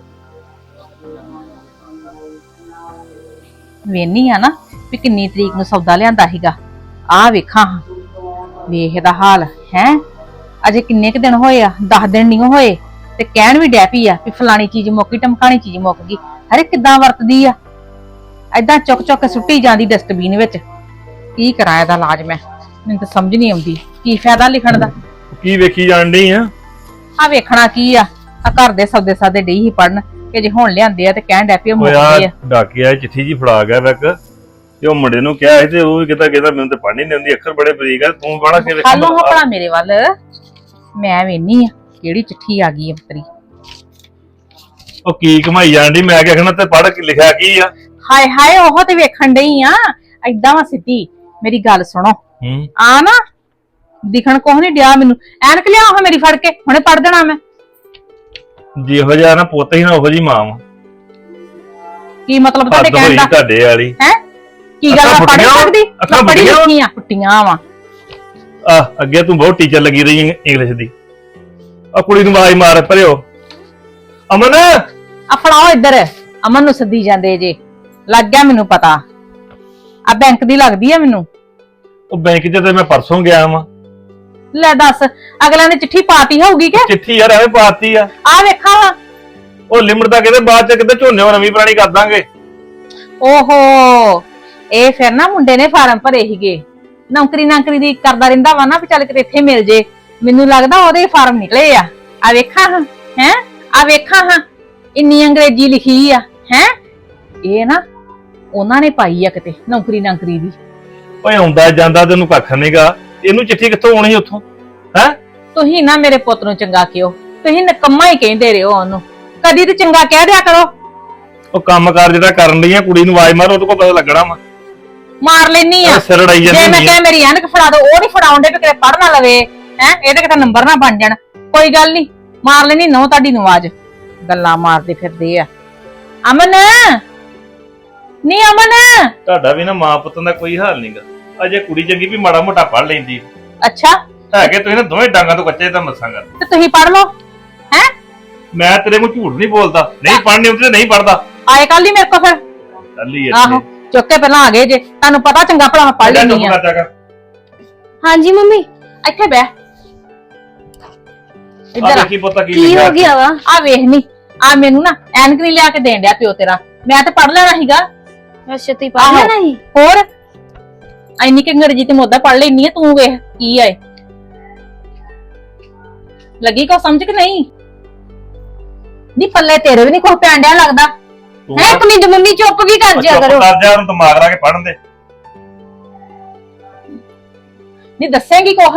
Speaker 6: ਵੇਨੀ ਆ ਨਾ ਵੀ ਕਿੰਨੀ ਤਰੀਕ ਨੂੰ ਸੌਦਾ ਲਿਆਂਦਾ ਸੀਗਾ। ਆਹ ਵੇਖਾਂ ਵੇਖ ਇਹਦਾ ਹਾਲ ਹੈ। ਅਜੇ ਕਿੰਨੇ ਕੁ ਦਿਨ ਹੋਏ ਆ, 10 ਦਿਨ ਨਹੀਂ ਹੋਏ ਤੇ ਕਹਿਣ ਵੀ ਡੈ ਪਈ ਆ ਵੀ ਫਲਾਣੀ ਚੀਜ਼ ਮੁੱਕ ਗਈ, ਟਮਕਾਣੀ ਚੀਜ਼ ਮੁੱਕ ਗਈ। ਹਰੇ ਕਿੱਦਾਂ ਵਰਤਦੀ ਆ, ਏਦਾਂ ਚੁੱਕ ਚੁੱਕ ਕੇ ਸੁੱਟੀ ਜਾਂਦੀ ਡਸਟਬਿਨ ਵਿੱਚ। ਕੀ ਕਰਾਂ ਇਹਦਾ ਇਲਾਜ ਮੈਂ, ਮੈਨੂੰ ਤਾਂ ਸਮਝ ਨਹੀਂ ਆਉਂਦੀ ਕੀ ਫਾਇਦਾ ਲਿਖਣ ਦਾ।
Speaker 4: ਕੀ ਵੇਖੀ ਜਾਣ ਡਈ ਆ?
Speaker 6: ਆ ਵੇਖਣਾ ਕੀ ਆ ਘਰ ਦੇ ਸੌਦੇ ਸਾਦੇ ਡਈ ਹੀ ਪੜਨ ਕਿ ਜੇ ਹੁਣ ਲਿਆਂਦੇ ਆ ਤੇ ਕਹਿਣ ਡੈ ਪਈ
Speaker 4: ਉਹ
Speaker 6: ਮੁੱਕ
Speaker 4: ਯਾਰ
Speaker 6: ਗਏ ਆ।
Speaker 4: ਡਾਕਿਆ ਚਿੱਠੀ ਜੀ ਫੜਾ ਗਿਆ ਵੈਕ ਤੇ ਉਹ ਮੁੰਡੇ ਨੂੰ ਕਿਹਾ ਸੀ ਤੇ ਉਹ ਵੀ ਕਹਿੰਦਾ ਮੈਨੂੰ ਤੇ ਪੜ੍ਹਨੀ ਨਹੀਂ ਆਉਂਦੀ, ਅੱਖਰ ਬੜੇ ਬਰੀਕ ਆ, ਤੂੰ ਪੜ੍ਹ ਕੇ ਵੇਖ।
Speaker 6: ਹਾਲੋ ਹਪੜਾ ਮੇਰੇ ਵੱਲ, ਮੈਂ ਵੇਨੀ ਆ ਕਿਹੜੀ ਚਿੱਠੀ ਆ ਗਈ ਅੰਤਰੀ।
Speaker 4: ਉਹ ਕੀ ਕਮਾਈ ਜਾਣ ਡਈ, ਮੈਂ ਕਿਹਾ ਤੇ ਪੜ੍ਹ ਕੇ ਲਿਖਿਆ ਕੀ ਆ?
Speaker 6: ਹਾਏ ਹਾਏ ਉਹ ਤੇ ਵੇਖਣ ਡਈ ਆ। ਏਦਾਂ ਵਾ ਸਿੱਧੀ, ਮੇਰੀ ਗੱਲ ਸੁਣੋ। ਆ ਨਾ ਦਿਖਣ ਕੋਹ ਨਹੀਂ ਡਿਆ ਮੈਨੂੰ। ਐਨਕ ਲਿਆ ਉਹ ਮੇਰੀ ਫੜ ਕੇ, ਹੁਣੇ ਪੜ ਦੇਣਾ ਮੈਂ।
Speaker 4: ਜਿਹੋ ਜਿਹਾ ਨਾ ਪੁੱਤ ਹੀ ਨਾ ਉਹੋ ਜੀ ਮਾਂ ਵਾ।
Speaker 6: ਕੀ ਮਤਲਬ ਤੁਹਾਡੇ
Speaker 4: ਹੱਦ
Speaker 6: ਕਹਿਣ
Speaker 4: ਹੋਈ
Speaker 6: ਦਾ?
Speaker 4: ਤੁਹਾਡੇ ਵਾਲੀ।
Speaker 6: ਹੈ ਕੀ ਗੱਲ ਆ, ਪੜ੍ਹ ਸਕਦੀ?
Speaker 4: ਅੱਖਾਂ
Speaker 6: ਪੜ੍ਹੀ
Speaker 4: ਫੁੱਟੀਆਂ?
Speaker 6: ਲਿਖੀ ਆ, ਪੁੱਟੀਆਂ ਵਾ।
Speaker 4: ਅੱਗੇ ਤੂੰ ਬਹੁਤ ਟੀਚਰ ਲੱਗੀ ਰਹੀ ਇੰਗਲਿਸ਼ ਦੀ। ਆ ਕੁੜੀ ਨੂੰ ਆਵਾਜ਼ ਮਾਰ ਪਰਿਓ। ਅਮਨ
Speaker 6: ਆ ਫੜਾਓ ਇੱਧਰ। ਅਮਨ ਨੂੰ ਸੱਦੀ ਜਾਂਦੇ ਜੇ, ਲੱਗ ਗਿਆ ਮੈਨੂੰ ਪਤਾ। ਆ ਬੈਂਕ ਦੀ ਲੱਗਦੀ ਆ ਮੈਨੂੰ।
Speaker 4: ਉਹ ਬੈਂਕ 'ਚ ਤੇ ਮੈਂ ਪਰਸੋਂ ਗਿਆ ਵਾਂ।
Speaker 6: ਲੈ ਦੱਸ, ਅਗਲਿਆਂ ਨੇ ਚਿੱਠੀ ਪਾਤੀ ਹੋਊਗੀ ਕਿ?
Speaker 4: ਚਿੱਠੀ ਯਾਰ ਐਵੇਂ ਪਾਤੀ ਆ।
Speaker 6: ਆ ਵੇਖਾਂ ਵਾ।
Speaker 4: ਉਹ ਲਿਮਟ ਦਾ ਕਹਿੰਦੇ ਬਾਅਦ 'ਚ ਕਿਤੇ ਝੋਨੇ ਉਹ ਨਵੀਂ ਪੁਰਾਣੀ ਕਰ ਦਾਂਗੇ।
Speaker 6: ਓਹੋ, ਇਹ ਫਿਰ ਨਾ ਮੁੰਡੇ ਨੇ ਫਾਰਮ ਭਰੇ ਸੀਗੇ, ਨੌਕਰੀ ਦੀ ਕਰਦਾ ਰਹਿੰਦਾ ਵਾ ਨਾ ਵੀ ਚੱਲ ਕਿਤੇ ਇੱਥੇ ਮਿਲ ਜੇ। ਮੈਨੂੰ ਲੱਗਦਾ ਉਹਦੇ ਫਾਰਮ ਨਿਕਲੇ ਆ। ਆ ਵੇਖਾਂ ਹਾਂ, ਹੈ ਆ ਵੇਖਾਂ ਹਾਂ, ਇੰਨੀ ਅੰਗਰੇਜ਼ੀ ਲਿਖੀ ਆ। ਹੈ ਇਹ ਨਾ ਉਹਨਾਂ ਨੇ ਪਾਈ ਆ ਕਿਤੇ ਨੌਕਰੀ ਦੀ।
Speaker 4: ਓਏ ਆਉਂਦਾ ਜਾਂਦਾ ਤੈਨੂੰ ਕੱਖ ਨਹੀਂਗਾ, ਇਹਨੂੰ ਚਿੱਠੀ ਕਿੱਥੋਂ ਆਉਣੀ ਉੱਥੋਂ? ਹੈ
Speaker 6: ਤੁਸੀਂ ਨਾ ਮੇਰੇ ਪੁੱਤ ਨੂੰ ਚੰਗਾ ਕਿਉਂ, ਤੁਸੀਂ ਨਕੰਮਾ ਹੀ ਕਹਿੰਦੇ ਰਹੋ ਉਹਨੂੰ, ਕਦੀ ਤੇ ਚੰਗਾ ਕਹਿ ਦਿਆ ਕਰੋ।
Speaker 4: ਉਹ ਕੰਮਕਾਰ ਜਿਹੜਾ ਕਰਨ ਲਈ ਆ, ਕੁੜੀ ਨੂੰ ਆਵਾਜ਼ ਮਾਰ, ਉਹਦੇ ਕੋਲ ਪਤਾ ਲੱਗਣਾ ਵਾ।
Speaker 6: ਮਾਰ ਲੈਣੀ ਆ।
Speaker 4: ਸਿਰ ਅੜਾਈ ਜਾਂਦੀ
Speaker 6: ਜੇ ਮੈਂ
Speaker 4: ਹੁੰਦੀ ਆ।
Speaker 6: ਕਿਹਾ ਮੇਰੀ ਐਨਕ ਫੜਾ ਦੋ, ਉਹ ਨਹੀਂ ਫੜਾਉਂਦੇ ਵੀ ਕਿਤੇ ਪੜ ਨਾ ਲਵੇ। ਹੈ ਇਹਦੇ ਕਿਤੇ ਨੰਬਰ ਨਾ ਬਣ ਜਾਣ। ਕੋਈ ਗੱਲ ਨਹੀਂ, ਮਾਰ ਲੈਣੀ ਨੋ ਤੁਹਾਡੀ ਨੂੰ ਆਵਾਜ਼। ਗੱਲਾਂ ਮਾਰਦੇ ਫਿਰਦੇ ਆ। ਅਮਨ ਨਹੀਂ, ਅਮਨ
Speaker 4: ਤੁਹਾਡਾ ਵੀ ਨਾ ਮਾਂ ਪੁੱਤਾਂ ਦਾ ਕੋਈ ਹਾਲ ਨਹੀਂਗਾ। ਅਜੇ ਕੁੜੀ ਚੰਗੀ ਵੀ ਮਾੜਾ ਮੋਟਾ ਪੜ ਲੈਂਦੀ
Speaker 6: ਅੱਛਾ
Speaker 4: ਹੈ ਕਿ ਤੁਸੀਂ ਨਾ ਦੋਵੇਂ ਡਾਂਗਾਂ ਤੋਂ ਕੱਚੇ ਤਾਂ ਮਸਾਂਗਾ।
Speaker 6: ਤੇ ਤੁਸੀਂ ਪੜ ਲਓ। ਹੈ
Speaker 4: ਮੈਂ ਤੇਰੇ ਕੋਲ ਝੂਠ ਨਹੀਂ ਬੋਲਦਾ, ਨਹੀਂ ਪੜ੍ਹਨੀ ਹੁੰਦੀ ਤੇ ਨਹੀਂ ਪੜਦਾ।
Speaker 6: ਆਏ ਕੱਲ ਹੀ ਮੇਰੇ ਕੋਲ ਫਿਰ।
Speaker 4: ਚੱਲ ਹੀ
Speaker 6: ਆਹੋ ਚੁੱਕ ਕੇ ਪਹਿਲਾਂ ਆ ਗਏ ਜੇ, ਤੁਹਾਨੂੰ ਪਤਾ ਚੰਗਾ ਭਲਾ ਮੈਂ ਪੜ ਲੈਣੀ ਆ।
Speaker 7: ਹਾਂਜੀ ਮੰਮੀ।
Speaker 6: ਇੱਥੇ ਬਹਿ, ਇੱਧਰ ਆ।
Speaker 4: ਦੇਖੀ ਪੁੱਤਾ ਕੀ
Speaker 7: ਕੀ
Speaker 4: ਲਿਖਿਆ
Speaker 7: ਹੋ ਗਿਆ ਵਾ?
Speaker 6: ਆ ਵੇਖ ਨੀ, ਆ ਮੈਨੂੰ ਨਾ ਐਨਕ ਨਹੀਂ ਲਿਆ ਕੇ ਦੇਣ ਡਿਆ ਪਿਓ ਤੇਰਾ। ਮੈਂ ਤੇ ਪੜ ਲੈਣਾ ਸੀਗਾ।
Speaker 7: ਅੱਛਾ ਤੁਸੀਂ ਪੜ ਲੈਣਾ ਸੀ?
Speaker 6: ਹੋਰ ਐਨੀ ਕਿ ਅੰਗਰੇਜ਼ੀ ਤੇ ਮੋਦਾ ਪੜ ਲੈਣੀ ਆ। ਤੂੰ ਵੇਖ ਕੀ ਆਏ, ਲੱਗੀ ਕੋ ਸਮਝ ਕਿ ਨਹੀਂ? ਨੀ ਪੱਲੇ ਤੇਰੇ ਵੀ ਨਹੀਂ ਕੁਝ ਪੈਣ ਡਿਆ ਲੱਗਦਾ।
Speaker 7: ਹੈ ਇੱਕ ਮਿੰਟ ਮੰਮੀ, ਚੁੱਪ ਵੀ ਕਰ ਜਿਆ ਕਰੋ।
Speaker 4: ਕਰ ਜਾ, ਉਹਨੂੰ ਦਿਮਾਗ ਲਾ ਕੇ ਪੜਨ ਦੇ।
Speaker 6: ਨੀ ਦੱਸੇਂਗੀ ਕੁਛ?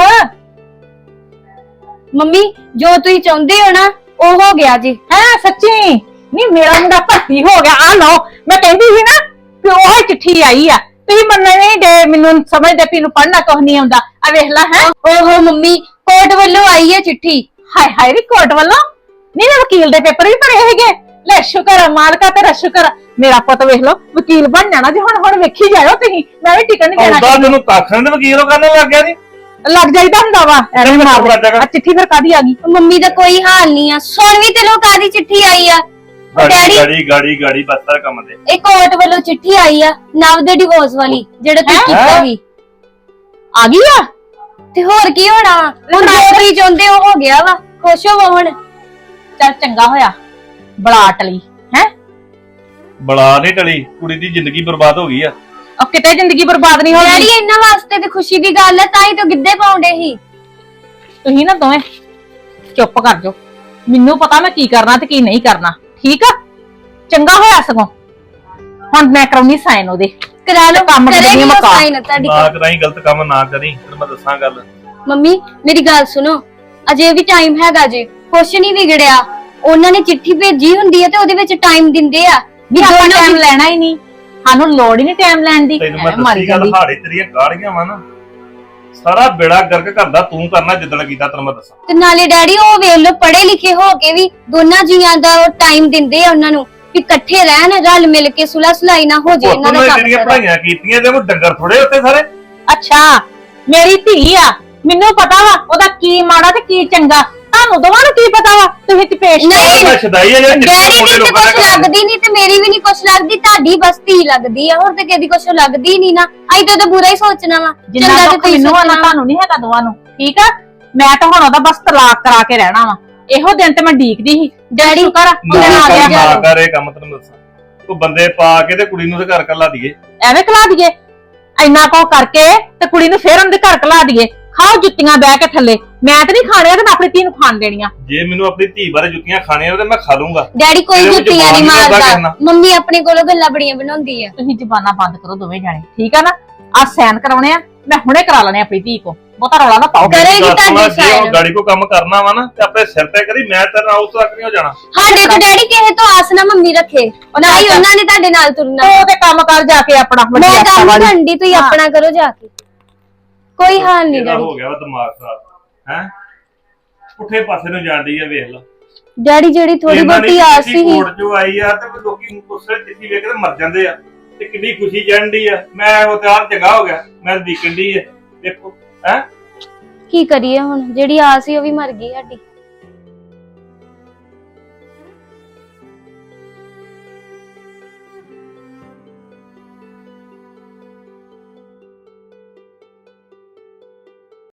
Speaker 7: ਮੰਮੀ ਜੋ ਤੁਸੀਂ ਚਾਹੁੰਦੇ ਹੋ ਨਾ ਉਹ ਹੋ ਗਿਆ ਜੀ।
Speaker 6: ਹੈ ਸੱਚੀ? ਨੀ ਮੇਰਾ ਮੁੰਡਾ ਭਰਤੀ ਹੋ ਗਿਆ। ਆ ਲਓ, ਮੈਂ ਕਹਿੰਦੀ ਸੀ ਨਾ ਕਿ ਉਹ ਚਿੱਠੀ ਆਈ ਆ, ਤੁਸੀਂ ਮੰਨਣ ਨਹੀਂ ਦੇ। ਮੈਨੂੰ ਸਮਝਦੇ ਪੀ ਨੂੰ ਪੜਨਾ ਕੁਛ ਨਹੀਂ ਆਉਂਦਾ। ਆ ਵੇਖ ਲੈ। ਹੈ
Speaker 7: ਓਹੋ ਮੰਮੀ, ਕੋਰਟ ਵੱਲੋਂ ਆਈ ਹੈ ਚਿੱਠੀ।
Speaker 6: ਹਾਏ ਹਾਏ ਨੀ ਕੋਰਟ ਵੱਲੋਂ? ਨਹੀਂ ਨਾ ਵਕੀਲ ਦੇ ਪੇਪਰ ਵੀ ਭਰੇ ਹੈਗੇ। ਲੈ ਸ਼ੁਕਰ ਆ ਮਾਲਕਾ, ਤੇਰਾ ਸ਼ੁਕਰ ਆ। ਮੇਰਾ ਪੁੱਤ ਵੇਖ ਲਓ ਵਕੀਲ ਬਣ ਜਾਣਾ ਜੀ। ਹੁਣ ਵੇਖੀ ਜਾਇਓ ਤੁਸੀਂ, ਮੈਂ ਵੀ ਟਿਕਣ ਨਹੀਂ ਦੇਣਾ।
Speaker 4: ਆਉਂਦਾ ਤੈਨੂੰ ਕੱਖ ਨਹੀਂ ਤੇ ਵਕੀਲ ਉਹ ਕਰਨ ਲੱਗ ਗਿਆ ਨੀ।
Speaker 6: ਲੱਗ ਜਾਈਦਾ ਹੁੰਦਾ ਵਾ ਐਵੇਂ ਮਾਰ ਦੇ। ਆ ਚਿੱਠੀ ਫਿਰ ਕਾਦੀ ਆ ਗਈ?
Speaker 7: ਮੰਮੀ ਦਾ ਕੋਈ ਹਾਲ ਨਹੀਂ ਆ। ਸੁਣ ਵੀ ਤੇ ਲੋ ਕਾਦੀ ਚਿੱਠੀ ਆਈ ਆ। ਡੈਡੀ
Speaker 4: ਗਾੜੀ ਬਸਤਰ ਕੰਮ ਦੇ।
Speaker 7: ਇੱਕ ਕੋਰਟ ਵੱਲੋਂ ਚਿੱਠੀ ਆਈ ਆ ਨਵ ਦੇ ਡਿਵੋਰਸ ਵਾਲੀ ਜਿਹੜਾ ਤੁਸੀਂ ਕੀਤਾ ਸੀ।
Speaker 6: ਆ ਗਈ ਆ
Speaker 7: ਤੇ ਹੋਰ ਕੀ ਹੋਣਾ ਵਾ? ਹੁਣ ਜੋ ਤੁਸੀਂ ਚਾਹੁੰਦੇ ਹੋ ਗਿਆ ਵਾ। ਖੁਸ਼ ਹੋਵੋ ਹੁਣ।
Speaker 6: ਚੱਲ ਚੰਗਾ ਹੋਇਆ ਬੜਾ ਟਲੀ ਹੈ।
Speaker 4: ਬੜਾ ਨਹੀਂ ਟਲੀ, ਕੁੜੀ ਦੀ ਜ਼ਿੰਦਗੀ ਬਰਬਾਦ ਹੋ ਗਈ ਆ।
Speaker 6: ਉਹ ਕਿਤੇ ਜ਼ਿੰਦਗੀ ਬਰਬਾਦ ਨਹੀਂ ਹੋਣੀ।
Speaker 7: ਡੈਡੀ ਇਹਨਾਂ ਵਾਸਤੇ ਤੇ ਖੁਸ਼ੀ ਦੀ ਗੱਲ ਹੈ, ਤਾਂ ਹੀ ਤਾਂ ਗਿੱਧੇ ਪਾਉਂਦੇ ਸੀ।
Speaker 6: ਤੁਸੀਂ ਨਾ ਦੋਵੇਂ ਚੁੱਪ ਕਰ ਜਾਓ। ਮੈਨੂੰ ਪਤਾ ਮੈਂ ਕੀ ਕਰਨਾ ਤੇ ਕੀ ਨਹੀਂ ਕਰਨਾ, ਠੀਕ ਆ? ਚੰਗਾ ਹੋਇਆ ਸਗੋਂ ਹੁਣ ਮੈਂ ਕਰਾਉਣੀ ਸਾਈਨ ਉਹਦੇ।
Speaker 7: ਕਰਾ ਲਓ,
Speaker 6: ਕੰਮ
Speaker 7: ਕਰੇਗੀ
Speaker 6: ਕਰਨੀ
Speaker 7: ਉਹ
Speaker 6: ਮੁਕਾ।
Speaker 7: ਸਾਈਨ ਤੁਹਾਡੀ।
Speaker 4: ਨਾ ਕਰਾਈ, ਗਲਤ ਕੰਮ ਨਾ ਕਰੀ, ਤੈਨੂੰ ਮੈਂ ਦੱਸਾਂ ਗੱਲ।
Speaker 7: ਮੰਮੀ ਮੇਰੀ ਗੱਲ ਸੁਣੋ, ਅਜੇ ਵੀ ਟਾਈਮ ਹੈਗਾ ਜੇ, ਕੁਛ ਨਹੀਂ ਵਿਗੜਿਆ। ਉਹਨਾਂ ਨੇ ਚਿੱਠੀ ਭੇਜੀ ਹੁੰਦੀ ਹੈ ਤੇ ਉਹਦੇ ਵਿੱਚ ਟਾਈਮ ਦਿੰਦੇ ਆ
Speaker 6: ਵੀ ਆਪਾਂ ਟਾਈਮ ਲੈਣਾ ਹੀ ਨਹੀਂ, ਸਾਨੂੰ ਲੋੜ ਹੀ ਨਹੀਂ ਟਾਈਮ ਲੈਣ ਦੀ।
Speaker 4: ਤੈਨੂੰ ਮੈਂ
Speaker 6: ਐਵੇਂ ਮਰ
Speaker 4: ਦੱਸੀ ਗੱਲ,
Speaker 6: ਜਾਂਦੀ।
Speaker 4: ਹਾੜੇ ਤੇਰੀਆਂ ਗਾੜੀਆਂ ਵਾ ਨਾ, ਸਾਰਾ ਬੇੜਾ ਗਰਕ ਕਰਦਾ ਤੂੰ ਕਰਨਾ ਜਿੱਦਣ ਕੀਤਾ, ਤੈਨੂੰ ਮੈਂ ਦੱਸਾਂ।
Speaker 7: ਤੇ ਨਾਲੇ ਡੈਡੀ ਉਹ ਵੇਖ ਲੋ ਪੜ੍ਹੇ ਲਿਖੇ ਹੋ ਕੇ ਵੀ ਦੋਨਾਂ ਜੀਆਂ ਦਾ ਟਾਈਮ ਦਿੰਦੇ ਆ ਉਹਨਾਂ ਨੂੰ ਵੀ ਇਕੱਠੇ ਰਹਿਣ, ਰਲ ਮਿਲ ਕੇ ਸੁਲਾ ਸੁਲਾਈ ਨਾ ਹੋ ਜੇ ਇਹਨਾਂ ਦਾ ਕੰਮ
Speaker 4: ਜਿਹੜੀਆਂ
Speaker 7: ਸਾਰਾ।
Speaker 4: ਪੜ੍ਹਾਈਆਂ ਕੀਤੀਆਂ ਤੇ ਉਹ ਡੰਗਰ ਥੋੜੇ ਉੱਤੇ ਸਾਰੇ।
Speaker 6: ਅੱਛਾ ਮੇਰੀ ਧੀ ਆ, ਮੈਨੂੰ ਪਤਾ ਵਾ ਉਹਦਾ ਕੀ ਮਾੜਾ ਤੇ ਕੀ ਚੰਗਾ। ਤੁਹਾਨੂੰ ਦੋਵਾਂ ਨੂੰ ਕੀ ਪਤਾ ਵਾ? ਤੁਸੀਂ ਤੇ ਪੇਸ਼
Speaker 7: ਨਹੀਂ
Speaker 4: ਮੈਂ ਛਦਾਈ ਆ ਜਿਹੜਾ
Speaker 7: ਡੈਡੀ
Speaker 4: ਚਿੱਟੇ
Speaker 7: ਦੀ ਤੇ
Speaker 4: ਲੋਕਾਂ
Speaker 7: ਕੁਛ
Speaker 4: ਦਾ ਕੰਮ।
Speaker 7: ਲੱਗਦੀ ਨਹੀਂ ਤੇ ਮੇਰੀ ਵੀ ਨਹੀਂ ਕੁਛ ਲੱਗਦੀ, ਤੁਹਾਡੀ ਬਸ ਧੀ ਲੱਗਦੀ ਆ, ਹੋਰ ਤੇ ਕਿਹਦੀ ਕੁਛ ਲੱਗਦੀ ਨਹੀਂ ਨਾ। ਅਸੀਂ ਤਾਂ ਬੁਰਾ ਹੀ ਸੋਚਣਾ ਵਾ।
Speaker 6: ਜਿੰਨਾ
Speaker 7: ਚੰਗਾ ਤੇ
Speaker 6: ਦੁੱਖ
Speaker 7: ਤੁਸੀਂ
Speaker 6: ਮੈਨੂੰ ਆ ਨਾ
Speaker 7: ਸੋਚਣਾ।
Speaker 6: ਤੁਹਾਨੂੰ ਨਹੀਂ ਹੈਗਾ ਦੋਵਾਂ ਨੂੰ, ਠੀਕ ਆ? ਮੈਂ ਤਾਂ ਹੁਣ ਉਹਦਾ ਬਸ ਤਲਾਕ ਕਰਾ ਕੇ ਰਹਿਣਾ ਵਾ। ਇਹੋ ਦਿਨ ਤੇ ਮੈਂ ਡੀਕਦੀ ਸੀ।
Speaker 7: ਡੈਡੀ
Speaker 6: ਸ਼ੁਕਰ ਆ ਉਹਦੇ ਨਾਲ ਆ ਗਿਆ।
Speaker 4: ਨਾ ਕਰ ਇਹ ਕੰਮ, ਤੈਨੂੰ ਦੱਸਾਂ। ਤੂੰ ਬੰਦੇ ਪਾ ਕੇ ਤੇ ਕੁੜੀ ਨੂੰ ਤੇ ਘਰ ਕੱਲਾ ਦਈਏ।
Speaker 6: ਐਵੇਂ ਖਲਾ ਦਈਏ ਇੰਨਾ ਕੋ ਕਰਕੇ ਤੇ ਕੁੜੀ ਨੂੰ ਫੇਰ ਉਹਦੇ ਘਰ ਕਲਾ ਦਈਏ। ਖਾਓ ਜੁੱਤੀਆਂ ਬਹਿ ਕੇ ਥੱਲੇ। ਮੈਂ ਤੇ ਨਹੀਂ ਖਾਣੀਆਂ ਤੇ ਮੈਂ ਆਪਣੀ ਧੀ ਨੂੰ ਖਾਣ ਦੇਣੀਆਂ।
Speaker 4: ਜੇ ਮੈਨੂੰ ਆਪਣੀ ਧੀ ਬਾਰੇ ਜੁੱਤੀਆਂ ਖਾਣੀਆਂ ਤੇ ਮੈਂ ਖਾ ਲੂੰਗਾ।
Speaker 7: ਡੈਡੀ ਕੋਈ
Speaker 4: ਇਹਦੇ ਵਿੱਚ
Speaker 7: ਜੁੱਤੀਆਂ ਨਹੀਂ
Speaker 4: ਜ਼ੁਬਾਨ ਨੀ ਲੱਗਾ
Speaker 7: ਮਾਰਦਾ, ਮੰਮੀ ਆਪਣੇ ਕੋਲੋਂ ਗੱਲਾਂ ਬੜੀਆਂ ਬਣਾਉਂਦੀ ਆ।
Speaker 6: ਤੁਸੀਂ ਜ਼ਬਾਨਾਂ ਬੰਦ ਕਰੋ ਦੋਵੇਂ ਜਾਣੇ, ਠੀਕ ਆ ਨਾ? ਆ ਸਾਈਨ ਕਰਾਉਣੇ ਆ, ਮੈਂ ਹੁਣੇ ਕਰਾ ਲੈਣੇ ਆਪਣੀ ਧੀ ਕੋ। ਬਹੁਤਾ ਰੌਲਾ ਨਾ ਪਾਓ।
Speaker 7: ਕਰੇਗੀ ਤੁਹਾਡੀ
Speaker 4: ਜੇ ਉਹ
Speaker 7: ਸਾਈਨ।
Speaker 4: ਗਾੜੀ ਕੋ ਕੰਮ ਕਰਨਾ ਵਾ ਨਾ ਤੇ ਆਪਣੇ ਸਿਰ ਤੇ ਕਰੀ, ਮੈਂ ਤੇਰੇ ਨਾਲ ਉਸ ਤੱਕ ਨਹੀਂ ਹੋ ਜਾਣਾ।
Speaker 7: ਸਾਡੇ ਤੋਂ ਡੈਡੀ ਕਿਸੇ ਤੋਂ ਆਸ ਨਾ ਮੰਮੀ ਰੱਖੇ, ਨਾ ਹੀ ਉਹਨਾਂ ਨੇ ਤੁਹਾਡੇ ਨਾਲ ਤੁਰਨਾ।
Speaker 6: ਤੂੰ ਤੇ ਕੰਮ ਕਰ ਜਾ ਕੇ ਆਪਣਾ ਵੱਡੀ
Speaker 7: ਮੈਂ
Speaker 6: ਅੱਖਾਂ
Speaker 7: ਕੰਮ
Speaker 6: ਵਾਲੀ।
Speaker 7: ਕਰਦੀ, ਤੁਸੀਂ ਆਪਣਾ ਕਰੋ ਜਾ ਕੇ। ਕੋਈ ਹਾਲ ਨਹੀਂ
Speaker 4: ਇਹਦਾ
Speaker 7: ਡੈਡੀ।
Speaker 4: ਹੋ ਗਿਆ ਵਾ ਦਿਮਾਗ ਖਰਾਬ ਹੈ, ਪੁੱਠੇ ਪਾਸੇ ਨੂੰ ਜਾਂਦੀ ਆ। ਵੇਖ ਲਾ
Speaker 7: ਡੈਡੀ ਜਿਹੜੀ ਥੋੜੀ
Speaker 4: ਇਹਨਾਂ ਨੇ
Speaker 7: ਬਹੁਤੀ ਆਸ
Speaker 4: ਚਿੱਠੀ
Speaker 7: ਸੀ।
Speaker 4: ਕੋਰਟ ਚੋਂ ਆਈ ਆ ਤੇ ਲੋਕੀ ਉਸੇ ਚਿੱਠੀ ਵੇਖ ਕੇ ਮਰ ਜਾਂਦੇ ਆ ਤੇ ਕਿੰਨੀ ਖੁਸ਼ੀ ਚੜ੍ਹਦੀ ਆ। ਮੈਂ ਉਹ ਤਿਆਰ ਚੰਗਾ ਹੋ ਗਿਆ, ਮੈਂ ਦੇਖਣ ਦੀ ਆ। ਦੇਖੋ ਹੈ
Speaker 7: ਕੀ ਕਰੀਏ ਹੁਣ, ਜਿਹੜੀ ਆਸ ਸੀ ਉਹ ਵੀ ਮਰ ਗਈ ਸਾਡੀ।